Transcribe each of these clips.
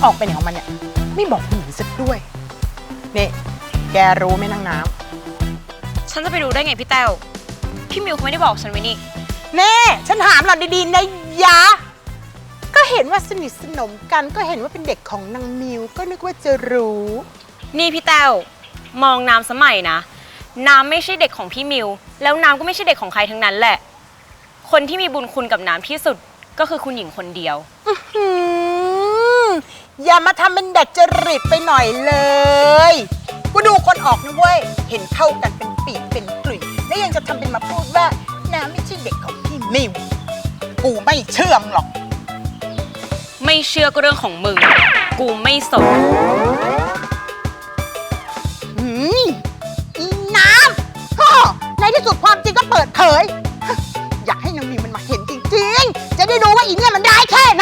อกไปไหนของมันเนี่ยไม่บอกคุณหญิงสักด้วยนี่แกรู้ไหมนางน้ำฉันจะไปรู้ได้ไงพี่แต้วพี่มิวเขาไม่ได้บอกฉันไว้นี่เน่ฉันถามหล่อนดีๆนะยะก็เห็นว่าสนิทสนมกันก็เห็นว่าเป็นเด็กของนางมิวก็นึกว่าจะรู้นี่พี่แต้วมองน้ำสมัยนะน้ำไม่ใช่เด็กของพี่มิวแล้วน้ำก็ไม่ใช่เด็กของใครทั้งนั้นแหละคนที่มีบุญคุณกับน้ำที่สุดก็คือคุณหญิงคนเดียวอย่ามาทำเป็นดัดจริตไปหน่อยเลยกูดูคนออกนะเว้ยเห็นเข้ากันเป็นปีกเป็นกลุ่ยแล้วยังจะทำเป็นมาพูดว่าน้ำไม่ใช่เด็กของพี่มิวกูไม่เชื่องหรอกไม่เชื่อก็เรื่องของมึงกูไม่สนอีน้ำในที่สุดความจริงก็เปิดเผยอยากให้นางมิวมันมาเห็นจริงๆจะได้รู้ว่าอีเนี่ยมันได้แค่ไหน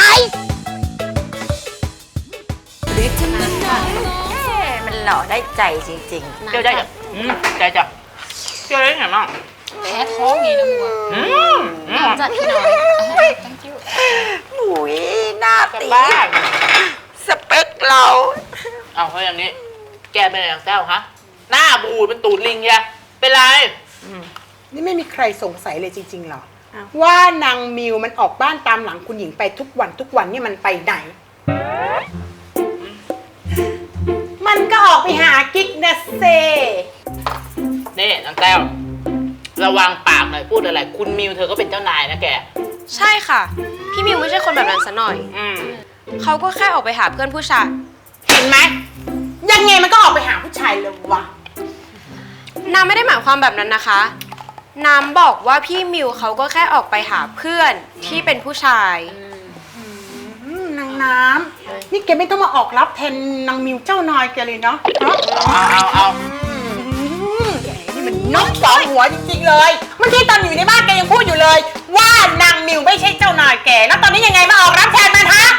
มันหล่อได้ใจจริงๆเจ้าใจจ้ะใจจ้ะเจ้าได้ไงมั่งแพ้ท้องไงนะมัวจัดที่หน่อยหุยหน้าตีสเปคเราเอาเพราะอย่างนี้แกเป็นอะไรอย่างแต้วฮะหน้าบูดเป็นตูดลิงแกเป็นไรนี่ไม่มีใครสงสัยเลยจริงๆหรอว่านางมิวมันออกบ้านตามหลังคุณหญิงไปทุกวันเนี่ยมันไปไหนมันก็ออกไปหากิ๊กนะเซนี่นางแต้วระวังปากหน่อยพูดอะไรคุณมิวเธอก็เป็นเจ้านายนะแกใช่ค่ะพี่มิวไม่ใช่คนแบบนั้นซะหน่อยเขาก็แค่ออกไปหาเพื่อนผู้ชายเห็นไหมยังไงมันก็ออกไปหาผู้ชายเลยวะน้ำไม่ได้หมายความแบบนั้นนะคะน้ำบอกว่าพี่มิวเขาก็แค่ออกไปหาเพื่อนที่เป็นผู้ชายนางน้ำนี่แกไม่ต้องมาออกรับแทนนางมิวเจ้านายแกเลยเนาะเอานี่มันนกสองหัวจริงๆเลยเมื่อกี้ตอนอยู่ในบ้านแกยังพูดอยู่เลยว่านางมิวไม่ใช่เจ้านายแกแล้วตอนนี้ยังไงมาออกรับแทนมันฮะ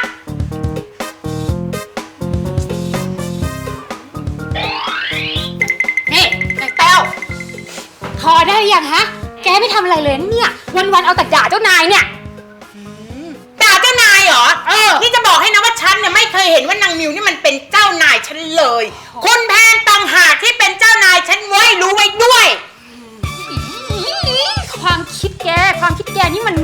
นี่นายแต้วพอได้ยังฮะแกไม่ทำอะไรเลยเนี่ยวันๆเอาแต่ด่าเจ้านายเนี่ยด่าเจ้านายเหรอนี่จะบอกให้นะว่าฉันเนี่ยไม่เคยเห็นว่านางมิวนี่มันเป็นเจ้านายฉันเลยคุณแพนต่างหากที่เป็นเจ้านายฉันไว้รู้ไว้ด้วยความคิดแกนี่มัน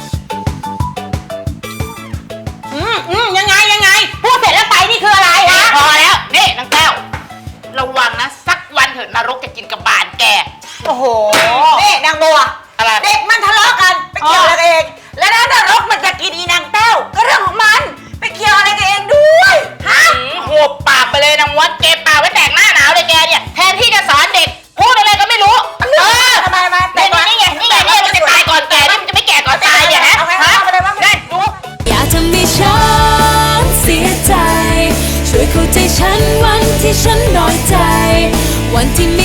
ยังไงพูดเสร็จแล้วไปนี่คืออะไรฮะพอแล้วนี่นางแต้วระวังนะสักวันเถิดนรกจะกินกับบานแกโอ้โหนี่นางบัวอะไรเด็กมันทะเลาะกันไปเกี่ยวอะไรกันเองแล้วนรกมันจะกินอีนางแต้วก็เรื่องของมันไปเกี่ยวอะไรกันเองด้วยฮะหัวปากไปเลยนางวัดเก็บปากไว้แตกหน้าหนาวเลยแกเนี่ยแทนที่จะสอนเด็กพูดอะไรก็ไม่รู้ทำไมแต่นี่ไงมันจะตายก่อนแก่นี่มันจะไม่แก่ก่อนตายเนี่ยฮะได้ดูอยากจะมีฉันเสียใจช่วยเข้าใจฉันวันที่ฉันน้อยใจวันที่